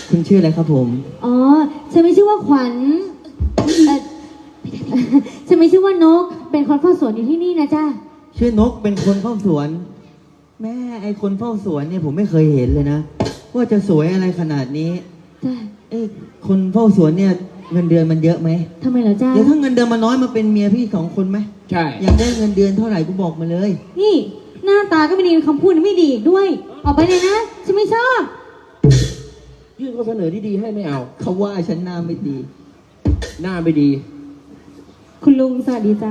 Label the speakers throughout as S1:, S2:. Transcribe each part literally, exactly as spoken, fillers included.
S1: คุณชื่ออะไรครับผม
S2: อ๋อฉันไม่ชื่อว่าขวัญเออฉันไม่ชื่อว่านกเป็นคนเฝ้าสวนอยู่ที่นี่นะจ้า
S1: ชื่อนกเป็นคนเฝ้าสวนแม่ไอคนเฝ้าสวนเนี่ยผมไม่เคยเห็นเลยนะว่าจะสวยอะไรขนาดนี้
S2: จ้า
S1: เอ้คนเฝ้าสวนเนี่ยเงินเดือนมันเยอะไหม
S2: ทำไมเหรอจ้า
S1: เดี๋ยวถ้าเงินเดือนมันน้อยมาเป็นเมียพี่สองคนไหม
S3: ใช่
S1: อยากได้เงินเดือนเท่าไหร่กูบอกมาเลย
S2: นี่หน้าตาก็ไม่ดีคำพูดไม่ดีด้วยออกไปเลยนะฉันไม่ชอบ
S3: ยื่นข้อเสนอที่ดีให้ไม่เอา
S1: เขาว่าฉันหน้าไม่ดี
S3: หน้าไม่ดี
S2: คุณลุงสวัสดีจ้า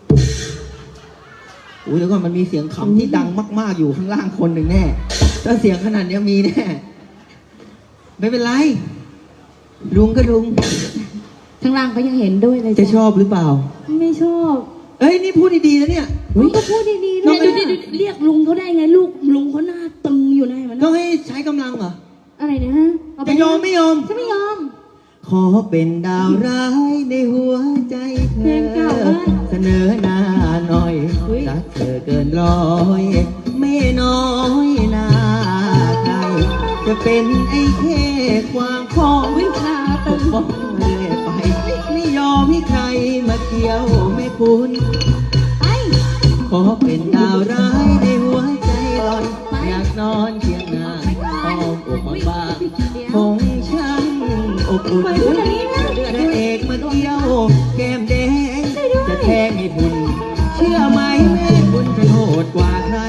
S1: โอ้ยเดี๋ยวก่อนมันมีเสียงขำที่ดังมากๆอยู่ข้างล่างคนหนึ่งแน่ถ้าเสียงขนาดนี้มีแน่ไม่เป็นไรลุงก็ลุง
S2: ข้างล่างเขายังเห็นด้วยเลย
S1: จะชอบหรือเปล่า
S2: ไม่ชอบ
S1: เอ้ยนี่พูดดีๆนะเนี่ย
S2: ก็พูดดีๆ
S4: เนี่ยดูดิเรียกลุงเขาได้ไงลูกลุงเขาหน้าตึงอยู่นะมัน
S1: ต้องให้ใช้กำลังเหรอ
S2: อะไรนะฮะ
S1: จะยอมไม่ยอม
S2: ฉันไม่ยอม
S1: ขอเป็นดาวร้ายในหัวใจเธอเสนอหน้าหน่อยรักเธอเกินร้อยไม่น้อยหน้าใครจะเป็นไอ้แค่ความของวิชาปกป้องเรื่อยไปไม่ยอมให้ใครมาเกี่ยวไม่คุณขอเป็นดาวร้ายในหัวใจลอยอยากนอนเคียงนางอ้อมอกมาบ้างคงช่างอบอุ่นพระเอกมาเกี่ยวแก้มแดงจะแทงให้พุ่นเชื่อไหมแม่คุณจะโหดกว่าใคร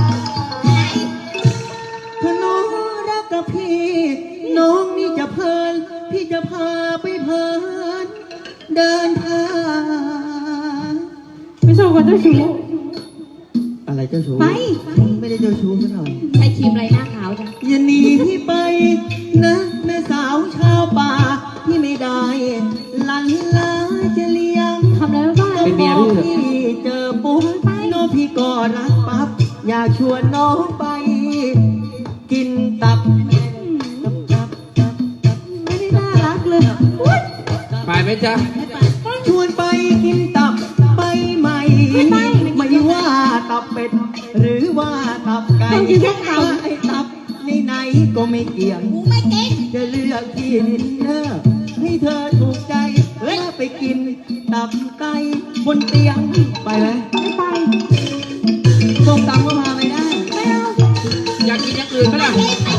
S1: ถ้าน้องรักกับพี่น้องนี่จะเพลินพี่จะพาไปเพลินเดินทาง
S2: ไม่ชอบคนเจ้าชู้
S1: อะไรเจ้าชู้
S2: ไป
S1: ไม่ได้เจ้าชู้ซะหน่อย
S4: ใช้ครีมไรหน้าขาวจ้ะ
S1: อย่าหนีพี่ไปนะแม่สาวชาวป่าพี่ไม่ได้ลันลาจะเลี้ยง
S2: ทำอะไรบ้าง
S3: เป็นเมียพี่
S1: พี่เจอปุ๊บน้องพี่ก็รักปั๊บอยากชวนน้องไปกินตับตับตับตับตับ
S2: ไม่ได้น่ารักเลย
S3: ไปไหมจ๊ะ
S1: ชวนไปกินตับไปไหมไม่ว่าตับเป็ดหรือว่าตับไก่ว่าไอ้ตับในไหนก็ไม่เกี่ยงจะเลือกที่ดินเนอร์ให้เธอถูกใจแล้วไปกินตับไก่บนเตียงไปไหม
S2: ไม่ไป
S1: ส้มตำก็พาไม่ได้
S2: ไม่เอา
S3: อยากกินอย่างอื่นไหมล่ะ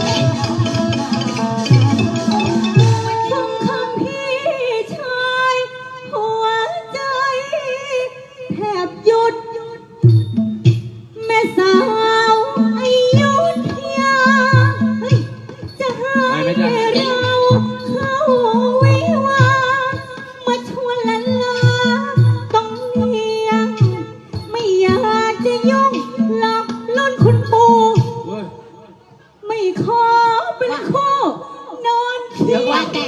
S2: ฟังคำพี่ชายหัวใจแทบหยุดแม่สาวอายุทยาจะให้เราเข้าวิวามาชวนละลาต้องเนียงไม่อยากจะยุ่งหลอกล้นคุณปู่ไม่ขอเป็นคู่นอนเคียงว่าแต่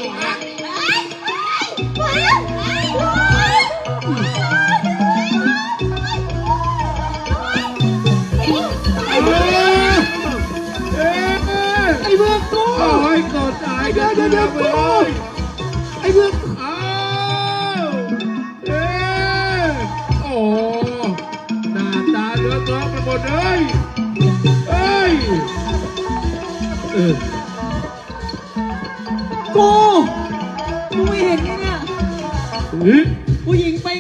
S3: ไอ้เบือกกูไอ้กดตายเดี๋ยวเดี๋ยวเดี๋ยวกูไอ้เบือกอ้าวเอ๊ะโอ้หน้าตาเลือดร้อนไปหมดเลยเอ้ยเออ
S1: กูกูไม่เห็นเนี่ยผู้หญิงไป